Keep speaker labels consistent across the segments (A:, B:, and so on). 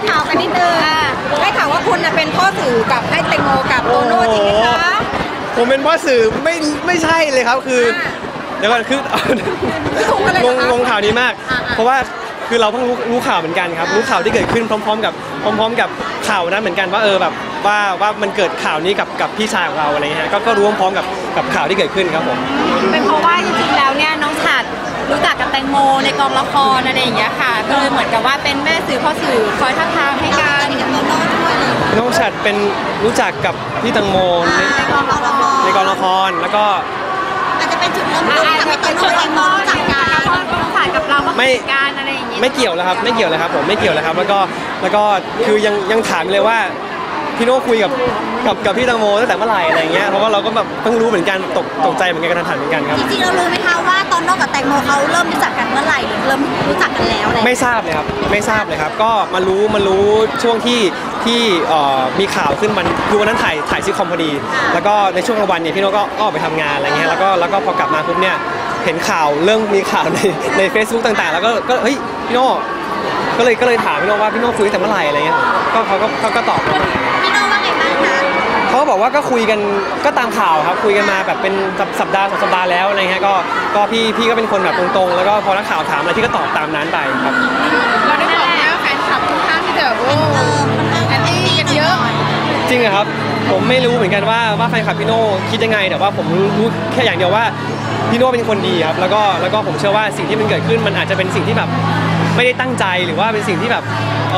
A: ข่าวกันนิดนึงได้ข่าวว่าคุณเป็นพ่อสื่อกับให้แตงโมกับโตโน่จริงไหมคะ
B: ผมเป็นพ่อสื่อไม่ใช่เลยครับคือเดี๋ยวก่อนคืองงข่าวนี้มากเพราะว่าคือเราเพิ่งรู้ข่าวเหมือนกันครับรู้ข่าวที่เกิดขึ้นพร้อมๆกับข่าวนั้นเหมือนกันว่าแบบว่ามันเกิดข่าวนี้กับพี่ชายของเราอะไรเงี้ยก็รู้พร้อมกับข่าวที่เกิดขึ้นครับผม
C: เป็นเพราะว่าจริงๆแล้วเนี่ยน้องฉัตรรู้จักกับแตงโมในกองละครอะไรอย่างเงี้ยค่ะก็เลยเหมือนกับว่าเป็นแม่สื่อพ่อสื่อคอยทักทามให้กัน
B: น้องฉัตรเป็นรู้จักกับพี่แตงโมในกองละครแล้วก็
A: อาจจะเป็นจุดเริ่มต้นทำให้โตโน่แตงโมรู้จักกัน
C: น้องฉัตรกับเราก็คุยกันอะไรอย่างเงี้ย
B: ไม่เกี่ยวแล้วครับไม่เกี่ยวเลยครับผมไม่เกี่ยวเลยครับแล้วก็คือยังถามเลยว่าพี่โน่คุยกับพี่แตงโมตั้งแต่เมื่อไหร่อะไรเงี้ยเพราะว่าเราก็แบบเพิ่งรู้เหมือนกันตกใจเหมือนกันกระทันหันเหมือนกันครับ
A: จริงๆเรารู้ไหมคะว่าโตโน่กับแตงโมเขาเริ่มรู้จักกันเมื่อไหร่หรือเริ่มรู้จักกันแล้ว
B: ไม่ทราบเลยครับไม่ทราบเลยครับก็มารู้ช่วงที่มีข่าวขึ้นมันคือวันนั้นถ่ายซิทคอมพอดีแล้วก็ในช่วงกลางวันเนี่ยพี่โน่ก็ออกไปทำงานอะไรเงี้ยแล้วก็พอกลับมาปุ๊บเนี่ยเห็นข่าวเรื่องมีข่าวใน Facebook ต่างๆแล้วก็เฮ้ยพี่โน่ก็เลยถามพี่โน่ว่าพี่โน่คุยตั้งแต่เมื่อไหร่อะไรเงี้ยก็เขาก็ตอบ
A: พี่โน่ว่าไงบ้างคะ
B: เขาบอกว่าก็คุยกันก็ตามข่าวครับคุยกันมาแบบเป็นสัปดาห์2 สัปดาห์แล้วอะไรเงี้ยก็พี่ก็เป็นคนแบบตรงๆแล้วก็พอนักข่าวถามอะไรพี่ก็ตอบตามนั้นไปครับ
C: เราได้บอกแล้วแฟนคลับทุกท่านที่จะแบบโอ้แอนตี้กันเยอะ
B: จริงเหรอครับผมไม่รู้เหมือนกันว่าแฟนคลับพี่โน่คิดยังไงแต่ว่าผมรู้แค่อย่างเดียวว่าพี่โน่เป็นคนดีครับแล้วก็ผมเชื่อว่าสิ่งที่มันเกิดขึ้นมันอาจจะเป็นสิ่งที่แบบไม่ได้ตั้งใจหรือว่าเป็นสิ่งที่แบบ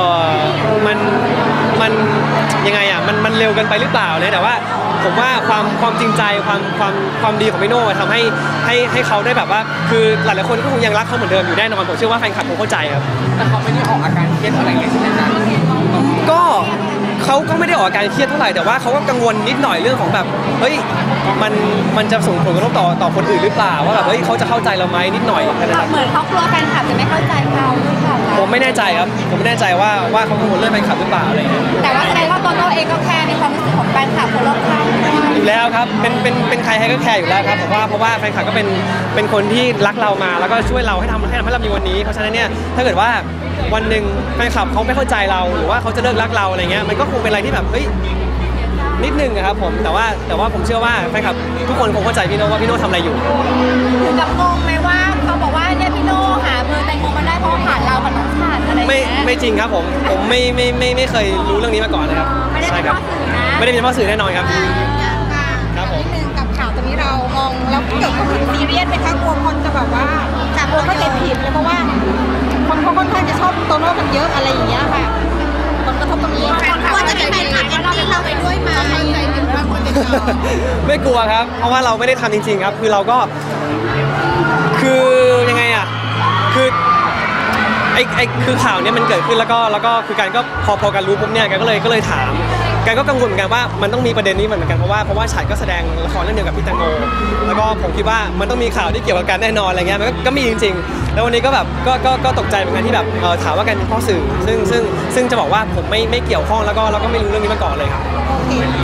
B: มันยังไงอ่ะมันเร็วเกินไปหรือเปล่าเนี่ยแต่ว่าผมว่าความจริงใจความดีของพี่โน่ทำให้เขาได้แบบว่าคือหลายๆคนก็คงยังรักเขาเหมือนเดิมอยู่แน่นอนผมเชื่อว่าแฟนคลับคงเข้าใจครับ
D: แต่เขาไม่ได้ออกอาการเครียดอะไรใช่ไหมครับ
B: ก็เขาก็ไม่ได้ออกอาการเครียดเท่าไหร่แต่ว่าเขาก็กังวลนิดหน่อยเรื่องของแบบเฮ้ยมันจะส่งผลกระทบต่อคนอื่นหรือเปล่าว่าแบบเฮ้ยเขาจะเข้าใจเราไหมนิดหน่อย
C: เหมือนเขากลัวแฟนคลับจะไม่เข้าใจเขาหรือเปล่า
B: ผมไม่แน่ใจครับผมไม่แน่ใจว่าเขากังวลเรื่องแฟนคลับหรือเปล่าอะไรเงี้ย
C: แต่ว่าแสดงว่าโตโน่เองก็แคร์ในความรู้สึกของแฟนคลับคนรอบข้าง
B: อยู่แล้วครับเป็นใครก็แคร์อยู่แล้วครับเพราะว่าแฟนคลับก็เป็นคนที่รักเรามาแล้วก็ช่วยเราให้ทำให้เรามีวันนี้เพราะฉะนั้นเนี่ยถ้าเกิดว่าวันหนึ่งแฟนคลับเขาไม่เข้าใจเราหรือว่าเขาจะเลิกรักเราอะไรเงี้ยมันก็คงเป็นอะไรที่แบบเฮ้ยนิดนึงนะครับผมแต่ว่าผมเชื่อว่าแฟนคลับทุกคนคงเข้าใจพี่โน่ว่าพี่โน่ทำอะไรอยู่
C: ถึงกับงงไหมว่าเขาบอกว่าเนี่ยพี่โน่หาเบอร์แตงโมมาได้เพราะผ่านเรากับน้องฉัตรอะไร
B: ไม่จริงครับผมไม่เคยรู้เรื่องนี้มาก่อนนะครับ
C: ใช่ครับ
B: ไม่ได้เป็นพ่อสื่อแน่นอนครับ
A: ครับผมนิดนึงกับข่าวตรงนี้เรามองแล้วเกิดความซีเรียสไหมคะกลัวคนจะแบบว่าจากคนก็จะผิดเลยเพราะว่าคนเขาค่อนข้างจะชอบโตโน่กันเยอะอะไรอย่างเงี้ยค่ะผลกระทบตรงนี้ว่าจะเป็นแฟนคลับแอนตี้เราไปด้วยไหม
B: ไม่กลัวครับเพราะว่าเราไม่ได้ทำจริงๆครับคือเราก็คือยังไงอ่ะคือคือข่าวนี้มันเกิดขึ้นแล้วก็คือการก็พอการรู้ปุ๊บเนี่ยกันก็เลยถามกันก็กังวลเหมือนกันว่ามันต้องมีประเด็นนี้เหมือนกันเพราะว่าฉัตรก็แสดงละครเรื่องเดียวกับพี่แตงโมแล้วก็ผมคิดว่ามันต้องมีข่าวที่เกี่ยวกับการแน่นอนอะไรเงี้ยมันก็มีจริงๆแล้ววันนี้ก็แบบก็ตกใจเหมือนกันที่แบบถามว่ากันเป็นพ่อสื่อซึ่งจะบอกว่าผมไม่เกี่ยวข้องแล้วก็ไม่รู้เรื่องนี้มาก่อนเลยครับ